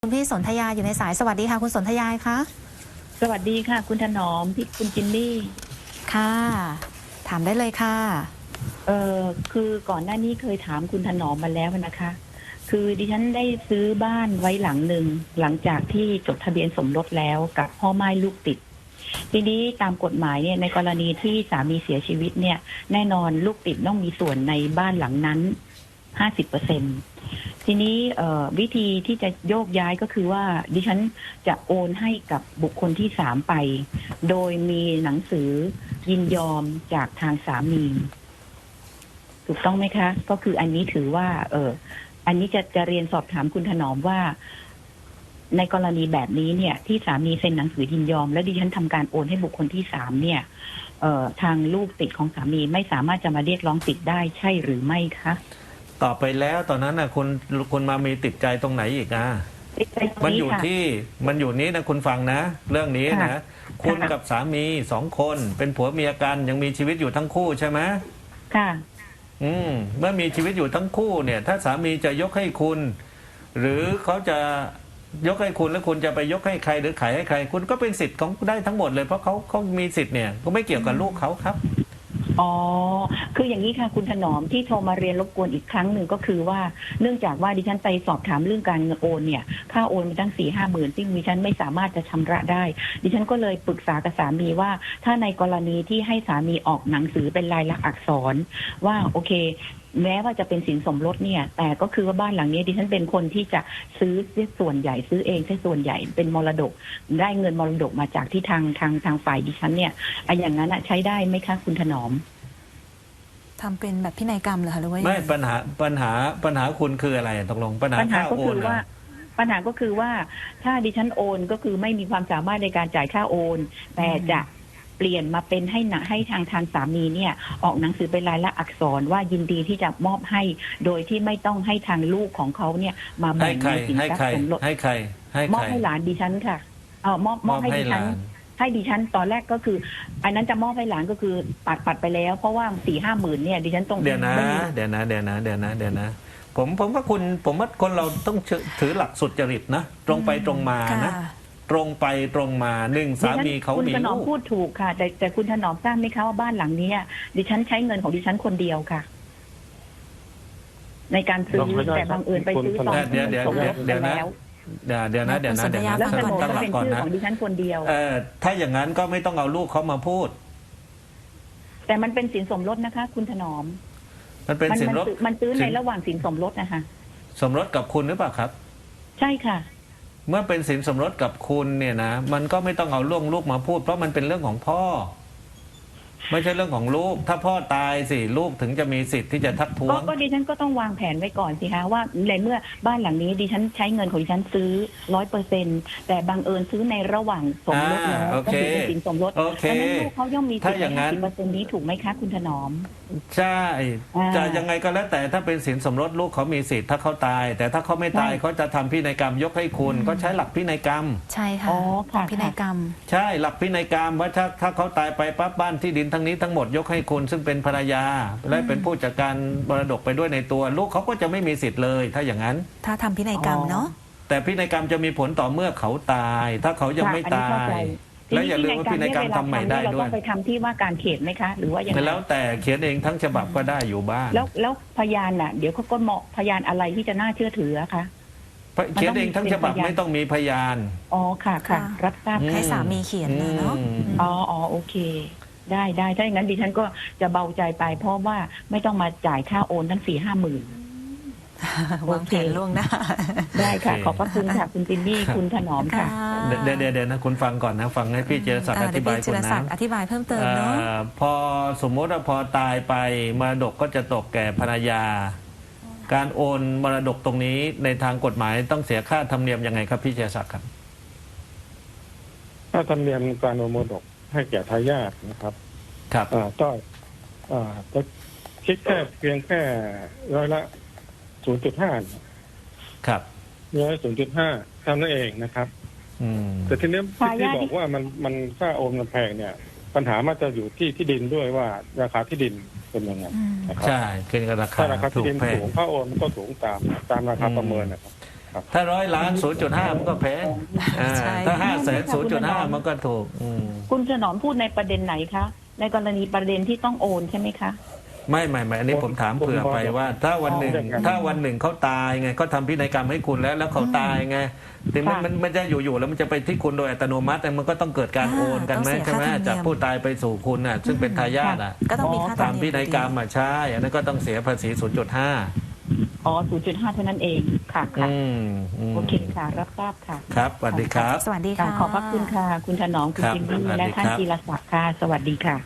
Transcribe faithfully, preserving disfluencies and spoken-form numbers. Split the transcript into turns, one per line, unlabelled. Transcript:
คุณพี่สนธยาอยู่ในสายสวัสดีค่ะคุณสนธยาคะ
สวัสดีค่ะคุณถนอมพี่คุณจินนี่
ค่ะถามได้เลยค่ะ
เออคือก่อนหน้านี้เคยถามคุณถนอมมาแล้วนะคะ คือดิฉันได้ซื้อบ้านไว้หลังหนึ่งหลังจากที่จดทะเบียนสมรสแล้วกับพ่อม่ายลูกติดทีนี้ตามกฎหมายเนี่ยในกรณีที่สามีเสียชีวิตเนี่ยแน่นอนลูกติดต้องมีส่วนในบ้านหลังนั้นห้าสิบเปอร์เซ็นต์ทีนี้วิธีที่จะโยกย้ายก็คือว่าดิฉันจะโอนให้กับบุคคลที่สามไปโดยมีหนังสือยินยอมจากทางสามีถูกต้องไหมคะก็คืออันนี้ถือว่าเอออันนี้จะจะเรียนสอบถามคุณถนอมว่าในกรณีแบบนี้เนี่ยที่สามีเซ็นหนังสือยินยอมและดิฉันทำการโอนให้บุคคลที่สามเนี่ยเอ่อทางลูกติดของสามีไม่สามารถจะมาเรียกร้องสิทธิ์ได้ใช่หรือไม่คะ
ต่อไปแล้วตอนนั้นนะคุณคุณมามีติดใจตรงไหนอีกอ่ะมันอยู่ที่มันอยู่นี้นะคุณฟังนะเรื่องนี้นะคุณกับสามีสองคนเป็นผัวเมียกันยังมีชีวิตอยู่ทั้งคู่ใช่ไหม
ค่ะ
อืมเมื่อมีชีวิตอยู่ทั้งคู่เนี่ยถ้าสามีจะยกให้คุณหรือเขาจะยกให้คุณแล้วคุณจะไปยกให้ใครหรือขายให้ใครคุณก็เป็นสิทธิ์ของได้ทั้งหมดเลยเพราะเขาเขามีสิทธิ์เนี่ยก็ไม่เกี่ยวกับลูกเขาครับ
อ๋อคืออย่างนี้ค่ะคุณถนอมที่โทรมาเรียนรบกวนอีกครั้งหนึ่งก็คือว่าเนื่องจากว่าดิฉันไปสอบถามเรื่องการเงินโอนเนี่ยค่าโอนมาตั้งสี่ห้าหมื่นซึ่งดิฉันไม่สามารถจะชำระได้ดิฉันก็เลยปรึกษากับสามีว่าถ้าในกรณีที่ให้สามีออกหนังสือเป็นลายลักษณ์อักษรว่าโอเคแม้ว่าจะเป็นสินสมรสเนี่ยแต่ก็คือว่าบ้านหลังนี้ดิฉันเป็นคนที่จะซื้อส่วนใหญ่ซื้อเองใช้ส่วนใหญ่เป็นมรดกได้เงินมรดกมาจากที่ทางทางทางฝ่ายดิฉันเนี่ยไอ้อย่างนั้นใช้ได้ไหมคะคุณถนอม
ทำเป็นแบบพินัยกรรมเหรอคะหรือว่า
ไม่ปัญหาปัญหาปัญหาคุณคืออะไรตกลงปัญหาค่าโอน
ว่าปัญหาก็คือว่าถ้าดิฉันโอนก็คือไม่มีความสามารถในการจ่ายค่าโอนแต่จะเปลี่ยนมาเป็นให้หนักให้ทางทางสามีเนี่ยออกหนังสือเป็นลายลักษณ์อักษรว่ายินดีที่จะมอบให้โดยที่ไม่ต้องให้ทางลูกของเขาเนี่ยมาแบ่งในสินทรัพย์สมรส
ให้ใครให้
มอบให้หลานดิฉันค่ะเออมอบมอบให้ดิฉันให้ดิฉันตอนแรกก็คืออันนั้นจะมอบให้หลานก็คือปัดปัดไปแล้วเพราะว่าสี่ห้าหมื่นเนี่ยดิฉันต้อง
เดี๋ยวนะเดี๋ยวนะเดี๋ยวนะเดี๋ยวนะเดี๋ยวนะผมผมว่าคุณผมว่าคนเราต้องถือหลักสุจริตนะตรงไปตรงมานะตรงไปตรงมาหนึ่งสามีเขามีลูก
คุณถนอมพูดถูกค่ะแต่แต่คุณถนอมทราบไหมคะว่าบ้านหลังนี้ดิฉันใช้เงินของดิฉันคนเดียวค่ะในการซื้อแต่บังเอิญไปซื้อตอนที่มันสมรสกันแล้ว
เดี๋ยวเดี๋ยวนะเดี๋ยวนะเดี๋ยวนะ
ตั้งหลักก่อนนะของดิฉันคนเดียว
เออถ้าอย่างนั้นก็ไม่ต้องเอาลูกเขามาพูด
แต่มันเป็นสินสมรสนะคะคุณถนอม
มันเป็นสินสมรส
มันซื้อในระหว่างสินสมรสนะคะ
สมรสกับคุณหรือเปล่าครับ
ใช่ค่ะ
เมื่อเป็นสินสมรสกับคุณเนี่ยนะมันก็ไม่ต้องเอาล่วงลูกมาพูดเพราะมันเป็นเรื่องของพ่อไม่ใช่เรื่องของลูกถ้าพ่อตายสิลูกถึงจะมีสิทธิ์ที่จะทักท้วง
ก็ดิฉันก็ต้องวางแผนไว้ก่อนสิคะว่าในเมื่อบ้านหลังนี้ดิฉันใช้เงินของดิฉันซื้อร้อยเปอร์เซ็นต์แต่บังเอิญซื้อในระหว่างสมรสแล้วก็คือเป็นสินสมรสดังนั้นลูกเขาย่อมมีสิทธิ์ในห้าสิบเปอร์เซ็นต์นี้ถูกไหมคะคุณถนอม
ใช่จะยังไงก็แล้วแต่ถ้าเป็นสินสมรสลูกเขามีสิทธิ์ถ้าเขาตายแต่ถ้าเขาไม่ตายเขาจะทำพินัยกรรมยกให้คุณก็ใช้หลักพินัยกรรม
ใช่ค่ะพินัยกรรม
ใช่หลักพินัยกรรมว่าถ้าถ้าเขาตายไปปั๊บบ้านที่ดินทั้งนี้ทั้งหมดยกให้คุณซึ่งเป็นภรรยาและเป็นผู้จัดการมรดกไปด้วยในตัวลูกเขาก็จะไม่มีสิทธิ์เลยถ้าอย่างนั้น
ถ้าทำพินัยกรรมเนาะ
แต่พินัยกรรมจะมีผลต่อเมื่อเขาตายถ้าเขายังไม่ตายแล้วอย่าลืมว่าพินัยกรรมทำใหม่ได้ด้วย
เราต้องไปทำที่ว่าการเขตไหมคะหรือว่าอย่างไร
แล้วแต่เขียนเองทั้งฉบับก็ได้อยู่บ้าง
แล้วแล้วพยานน่ะเดี๋ยวเขาก็เหมาะพยานอะไรที่จะน่าเชื่อถือคะ
เขียนเองทั้งฉบับไม่ต้องมีพยาน
อ๋อค่ะค่ะรับทราบ
ให้สามีเขียนเลยเนาะ
อ๋ออ๋อโอเคได้ได้ถ้าอย่างนั้นดิฉันก็จะเบาใจไปเพราะว่าไม่ต้องมาจ่ายค่าโอนทั้งสี่ห้าหมื่น
วางแผนล่วงหน้า
ได้ค่ะขอบพระคุณค่ะคุณจินนี่คุณถนอมค่ะ
เดี๋ยวเดี๋ยวนะคุณฟังก่อนนะฟังให้พี่เจรศักดิ์อธิบายคุณนะ
อธิบายเพิ่มเติมเนาะ
พอสมมติว่าพอตายไปมรดกก็จะตกแก่ภรรยาการโอนมรดกตรงนี้ในทางกฎหมายต้องเสียค่าธรรมเนียมยังไงครับพี่เจรศักดิ์ครับ
ค่าธรรมเนียมการโอนมรดกให้แก่ทายาทนะครับ
ครับ
อ่าก็อ่าจะคิดแค่เพียงแค่ร้อยละศูนย์จุดห้า
ครับ
ร้อยศูนย์จุดห้าเท่านั้นเองนะครับ
อืม
แต่ทีนี้ที่บอกว่ามันมันค่าโอนมันแพงเนี่ยปัญหามันจะอยู่ที่ที่ดินด้วยว่าราคาที่ดินเป็นยังไง
นะครับใช่ขึ้นกับราคา
ถ้าราคาที่ดินสูงค่าโอนมันก็สูงตามตามราคาประเมินนะครับครับ
ถ้าร้อยล้านศูนย์จุดห้ามันก็แพงอ่า
ใช่
ถ้าห้าแสนศูนย์จุดห้ามันก็ถูกอืม
คุณถนอมพูดในประเด็นไหนคะ ในกรณีประเด็นที่ต้องโอนใช่ไหมคะ
ไม่ไม่ไม่อันนี้ผมถามเผื่อไปว่า ถ้าวันหนึ่งถ้าวันหนึ่งเขาตายไงเขาทำพินัยกรรมให้คุณแล้วแล้วเขาตายไงแต่มันมันมันจะอยู่ๆแล้วมันจะไปที่คุณโดยอัตโนมัติแต่มันก็ต้องเกิดการ
อ่า
โอนกันไหม
ต้องเสีย
ใช่ไหม
ค่าธรรมเนียม
จากผู้ตายไปสู่คุณน่ะซึ่งเป็นทายาทอ่ะ
ก็ต้องมีค่าธรรม
ทำ
เนี
พิ
ยม
นัยกรรมอ่ะใช่อันนั้นก็ต้องเสียภาษี ศูนย์จุดห้า
อ๋อ ศูนย์จุดห้า เท่านั้นเอง ค่ะค่ะ
อืมม
โอเคค่ะ รับทราบค่ะ
ครับสวัสดีครับ
สวัสดี
ค่ะ
ค่ะ
ขอบพระคุณค่ะ คุณถนอม คุณ
ครับ
จิมมี่
สวัสดี
และท่าน
ครับ
จีรศักดิ์ค่ะ สวัสดีค่ะ